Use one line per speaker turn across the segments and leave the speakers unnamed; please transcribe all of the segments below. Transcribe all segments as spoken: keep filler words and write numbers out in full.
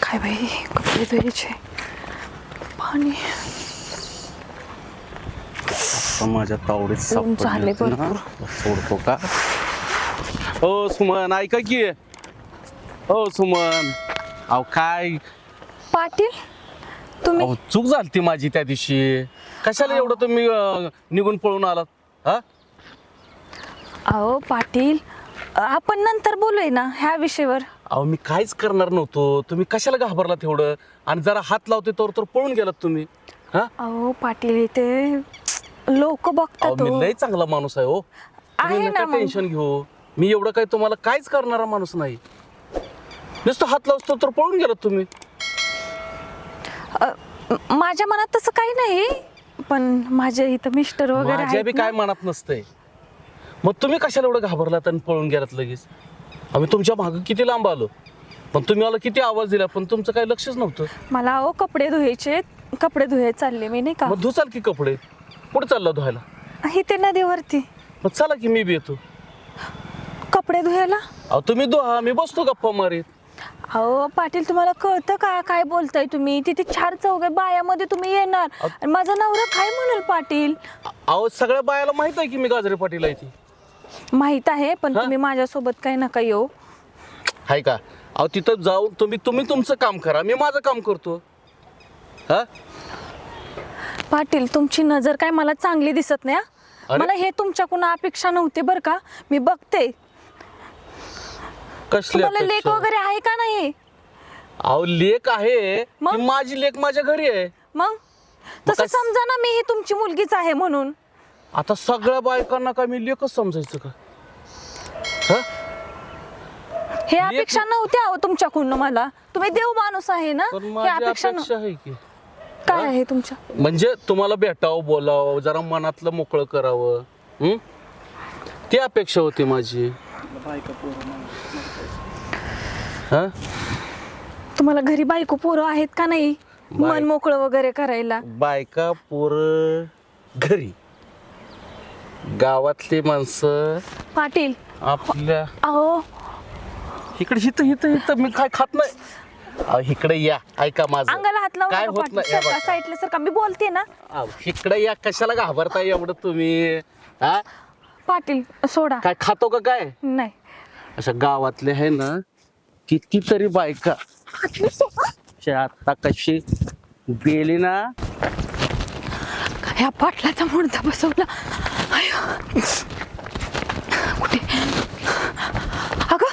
काय बाई कपडे धुवायचे पाणी
माझ्या तावडीत
ऊन झाले
सापडले ना
भरपूर.
सोडतो का? हो सुमन ऐका की. हो सुमन अहो काय
पाटील तुम्ही
अहो चूक झाली ती माझी त्या दिवशी. कशाला एवढं तुम्ही अं, निघून पळून आलात हा?
अहो पाटील आपण नंतर बोलूय ना ह्या विषयावर.
अहो मी काहीच करणार नव्हतो. तुम्ही कशाला घाबरलात एवढं आणि जरा हात लावते तर तर पळून गेलात तुम्ही हा?
अहो पाटील इथे लोक
अहो
बघतात
मी
हो.
लय चांगला माणूस आहे हो. तुम्ही
आहे
नका
ना मग.
टेन्शन घेऊ. मी एवढं काही तुम्हाला काहीच करणारा माणूस नाही. नुसतं हात लावतो तर पळून गेलात तुम्ही.
अ, म- माझ्या मनात तसं काही नाही पण माझे इथं मिस्टर वगैरे
माझ्या बी
आहेत
काय
ना.
मनात नसतंय. मग तुम्ही कशाला एवढं घाबरलात आणि पळून गेलात लगेच? आम्ही तुमच्या मागं किती लांब आलो पण तुम्ही मला किती आवाज दिला पण तुमचं काही लक्षच नव्हतं.
मला अहो कपडे धुवायचे कपडे धुवायला चालले मी नाही का
मग धुचाल की कपडे. कुठे चालला धुवायला?
इथे नदीवरती
मग चला की मी बी येतो.
कपडे धुवायला.
अहो तुम्ही धुवा मी बसतो गप्पा मारीत.
अहो पाटील तुम्हाला कळतं का काय बोलताय तुम्ही? तिथे चार चौघे बायामध्ये तुम्ही येणार आणि माझा नवरा काय म्हणाल पाटील?
अहो सगळ्या बायाला माहित आहे की मी गाजरे पाटील आहे ती.
माहित आहे पण
हा?
तुम्ही माझ्यासोबत काय नका येऊ.
हाय का? अहो तिथं जाऊन तुम्ही तुम्ही तुमचं काम करा मी माझं काम करतो हा.
पाटील तुमची नजर काय मला चांगली दिसत नाही हा?
अरे?
मला हे तुमच्याकडून अपेक्षा नव्हती बरं का. मी बघते
कसली
तुम्हाला लेख
अपेक्षा?
वगैरे आहे का नाही?
अहो लेक आहे
मग?
ती माझी लेक माझ्या घरी आहे.
मग तसं
काय-
समजा ना मी ही तुमची मुलगीच आहे म्हणून.
आता सगळ्या बायकांना काय मी लेकच समजायचं का? हा?
हे अपेक्षा नव्हत्या अहो तुमच्याकडून मला. तुम्ही देव माणूस आहे ना.
पण
हे
माझी
अपेक्षा
अपेक्षा
नव्ह-
आहे की
काय आहे तुमच्या?
म्हणजे तुम्हाला भेटावं बोलावं जरा मनातलं मोकळं करावं हं? ती अपेक्षा होती माझी हा.
तुम्हाला घरी बायको पोरं आहेत का नाही
बाय-
मन मोकळं वगैरे करायला?
बायका पोर घरी गावातली माणसं
पाटील
आपल्या
अहो
इकडे हिथं हिथं हिथं मी काय खात नाही. अहो, इकडे या ऐका माझं
अंगाला हात लावू
काय
नका
होत
पाटील.
नाही. या
सरका
बघा.
साईडला सरका मी बोलते ना.
अहो, इकडे या कशाला घाबरताय एवढं तुम्ही हा?
पाटील सोडा.
काय खातो का काय?
नाही
अशा गावातले आहे ना कितीतरी बायका
पाटील सोडा.
अशा आता कशी गेली ना.
ह्या पाटलाचा मुडदा बसवला. आयो. कुठे अगं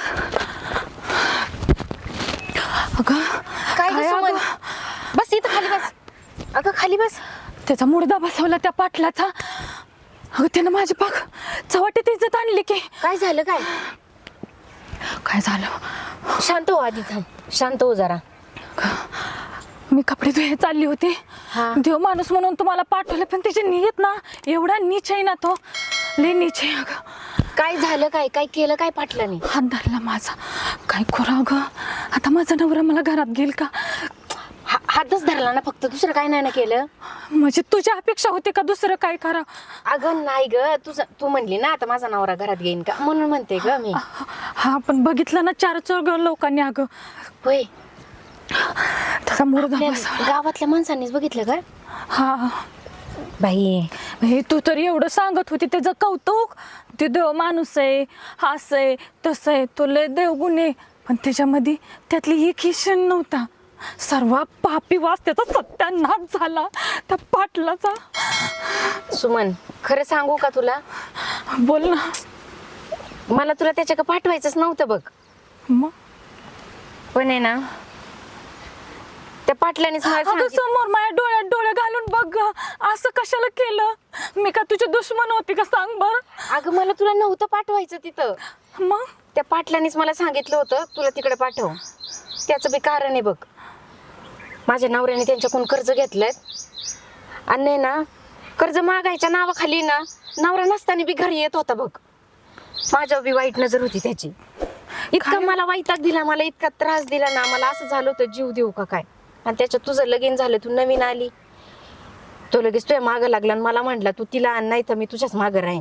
अगं
काय
काय
गं सुमन?
अगं?
बस इथं खाली बस. अगं खाली बस.
त्याचा मुडदा बसवला त्या पाटलाचा. अगं त्यानं माझी पाक चव्हाट्यात इज्जत आणली की.
काय झालं काय?
काय झालं?
शांत हो आधी थांब. शांत हो जरा.
मी कपडे धुये चालली होती.
हा.
देव माणूस म्हणून तुम्हाला पाठवलं पण त्याची नियत ना एवढा नीच आहे ना तो. लय नीच आहे अगं.
काय झालं काय? काय केलं काय पाटलाने?
हात धरला माझा. काय करू अगं? आता माझा नवरा मला घरात घेईल का?
हा- हातच धरला ना फक्त, दुसरं काय नाही ना केलं?
म्हणजे तुझी अपेक्षा होती का दुसरं काय करा?
अगं नाही ग, तुझं तू म्हणली ना आता माझा नवरा घरात घेईन का म्हणून म्हणते ग मी.
हा पण बघितलं ना चार चौघ लोकांनी अगं
होय.
त्याचा मुर्दा
आपल्या
बसवला.
गावातल्या माणसांनीच बघितलं का?
हा
बाई
हे तू तरी एवढं सांगत होती त्याचं कौतुक. ते देव माणूस आहे असं आहे तसं आहे तो लय देवगुण आहे पण त्याच्यामध्ये त्यातली एक ही क्षण नव्हता. सर्व पापी वास त्याचा सत्यानाश झाला त्या पाटलाचा.
सुमन खरं सांगू का तुला?
बोल ना.
मला तुला त्याच्याकडे पाठवायचंच नव्हतं बघ.
मग
पण आहे ना त्या पाटलानेच मला
अगं
सांगितलं.
समोर माझ्या डोळ्यात डोळे घालून बघ गं. असं कशाला केलं? मी का तुझी दुश्मन होती का सांग बर?
अगं मला तुला नव्हतं पाठवायचं तिथं.
मग
त्या पाटलानेच मला सांगितलं होतं तुला तिकडे पाठव. त्याचं बी कारण आहे बघ. माझ्या नवऱ्याने त्यांच्याकडून कर्ज घेतलंय आणि नाही ना कर्ज मागायच्या नावाखाली ना नवरा नसताना बी घरी येत होता बघ. माझ्यावर बी वाईट नजर होती त्याची. इतका मला वैताग दिला, मला इतका त्रास दिला ना, मला असं झालं होतं जीव देऊ का काय. आणि त्याच्यात तुझं लगीन झालं, तू नवीन आली, तो लगेच तुझ्या मागं लागला आणि मला म्हटला तू तिला आण नाही तर मी तुझ्याच मागं राहीन.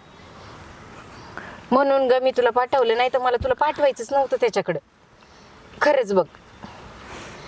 म्हणून ग मी तुला पाठवलं, नाही तर मला तुला पाठवायचंच नव्हतं त्याच्याकडं. खरंच बघ.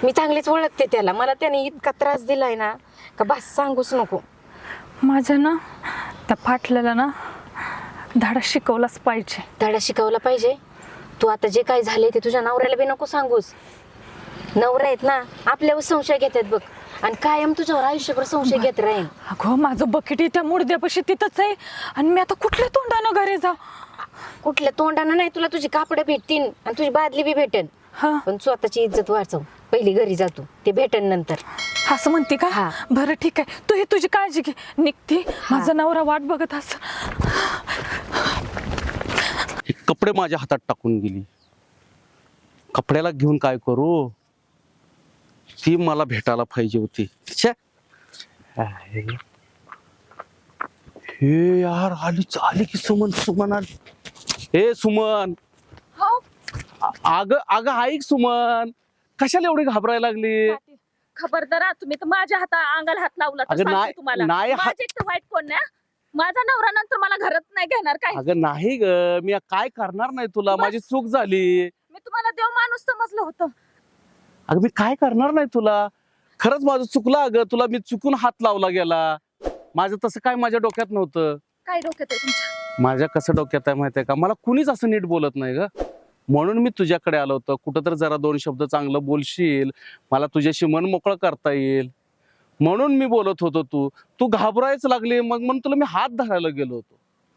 मी चांगलीच ओळखते त्याला. मला त्याने इतका त्रास दिलाय ना का बस सांगूच नको.
माझ्या ना त्या पाटल्याला ना धडा शिकवलाच पाहिजे.
धडा शिकवला पाहिजे. तू आता जे काय झाले ते तुझ्या नवऱ्याला बी नको सांगूस. नवरा आहेत ना आपल्यावर संशय घेतात बघ, आणि कायम तुझ्यावर आयुष्यभर संशय घेत राहील.
अगो माझं बकेट त्या मुडद्यापाशी तिथंच आहे, आणि मी आता कुठल्या तोंडानं घरी जा.
कुठल्या तोंडानं नाही, तुला तुझी कापडं भेटतील आणि तुझी बादली बी भेटेन,
हा
पण स्वतःची इज्जत वाचव. पहिली घरी जातो ते भेटन नंतर.
असं म्हणते का?
हा.
बरं ठीक आहे, तू ही तुझी काळजी घे. निघते, माझा नवरा वाट बघत असं.
हे कपडे माझ्या हातात टाकून गेली. कपड्याला घेऊन काय करू? ती मला भेटायला पाहिजे होती. छे. हे यार आली आली की सुमन सुमन आली. हे सुमन, अग अग ऐक सुमन, कशाला एवढी घाबरायला लागली?
खबरदार, तुम्ही तर माझ्या हाता अंगाला हात लावला तर
अगं
सांगते
नाही-
तुम्हाला.
नाही हात-
माझे तर वाईट कोण नाही. माझा नवरा नंतर मला घरात नाही घेणार काय.
अगं नाही ग, मी काय करणार नाही तुला.
बस.
माझी चूक झाली.
मी तुम्हाला देव माणूस समजलं होतं.
अगं मी काय करणार नाही तुला. खरंच माझं चुकलं अगं, तुला मी चुकून हात लावला गेला. माझं तसं काय माझ्या डोक्यात नव्हतं.
काय डोक्यात आहे तुमच्या?
माझ्या कसं डोक्यात आहे माहितीये का, मला कुणीच असं नीट बोलत नाही ग. म्हणून मी तुझ्याकडे आलो होतो. कुठं तर जरा दोन शब्द चांगलं बोलशील, मला तुझ्याशी मन मोकळं करता येईल म्हणून मी बोलत होतो. तू तू घाबरायच लागली, मग म्हणून तुला मी हात धरायला गेलो होतो.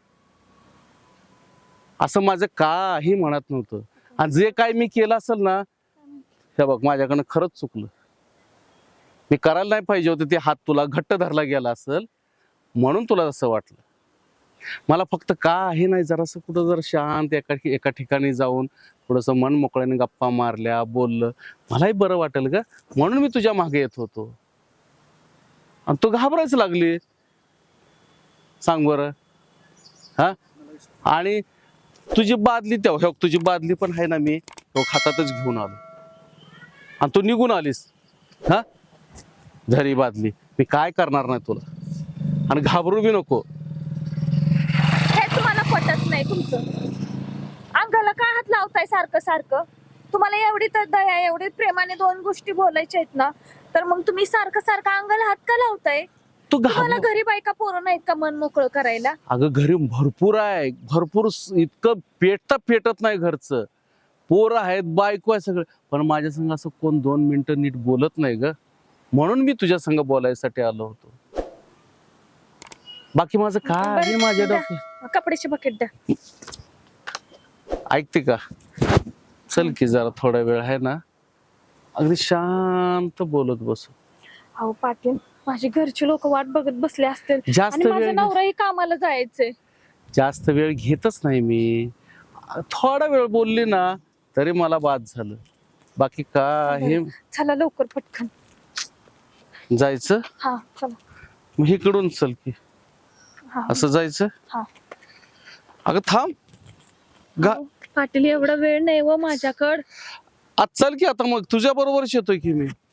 असं माझं काही म्हणत नव्हतं. आणि जे काय मी केलं असेल ना, हे बघ माझ्याकडनं खरंच चुकलं. मी करायला नाही पाहिजे होतं ते. हात तुला घट्ट धरला गेला असेल म्हणून तुला असं वाटलं. मला फक्त काही नाही, जरासं कुठं जर शांत एका एका ठिकाणी जाऊन थोडंसं मन मोकळ्याने गप्पा मारल्या, बोललं, मलाही बरं वाटेल ग. म्हणून मी तुझ्या मागे येत होतो. आणि तू घाबरायच लागली. सांग बरं. हा, आणि तुझी बादली तेव्हा, तुझी बादली पण आहे ना, मी तो हातातच घेऊन आलो आणि तू निघून आलीस. हा, झरी बादली. मी काय करणार नाही तुला, आणि घाबरू बी नको.
हे तुम्हाला पटत नाही तुमचं. अंगाला काय हात लावताय सारखं सारखं? तुम्हाला एवढी तर दया, एवढी प्रेमाने दोन गोष्टी बोलायच्या आहेत ना, तर मग तुम्ही सारखं सारखं अंगाला हात का लावताय?
तू
तुम्हाला
घाबर
घरी बायका पोरं नाहीत का मन मोकळं करायला?
अगं घरी भरपूर आहे, भरपूर. इतकं पेटता पेटत नाही घरचं. पोरं आहेत, बायको आहे, सगळं. पण माझ्या संग असं कोण दोन मिनिटं नीट बोलत नाही ग. म्हणून मी तुझ्या संग बोलायसाठी आलो होतो. बाकी माझं काय आहे माझ्या डोक्यात.
कपड्याची बकेट द्या.
ऐकते का? चल की जरा थोडा वेळ आहे ना, अगदी शांत बोलत बसू.
अहो पाटील, माझी घरची लोक वाट बघत बसले असतील,
जास्त
आणि माझा
वेळ
नवराही कामाला जायचंय.
जास्त वेळ घेतच नाही मी. थोडा वेळ बोलली ना तरी मला बाद झालं. बाकी काय
चला लवकर पटकन
जायचं.
हा चला.
मग इकडून चल की.
हा
असं जायचं.
हा.
अगं थांब गा.
अहो, पाटील एवढा वेळ नाही व माझ्याकडं.
आज चल की आता, मग तुझ्या बरोबरच येतोय की मी.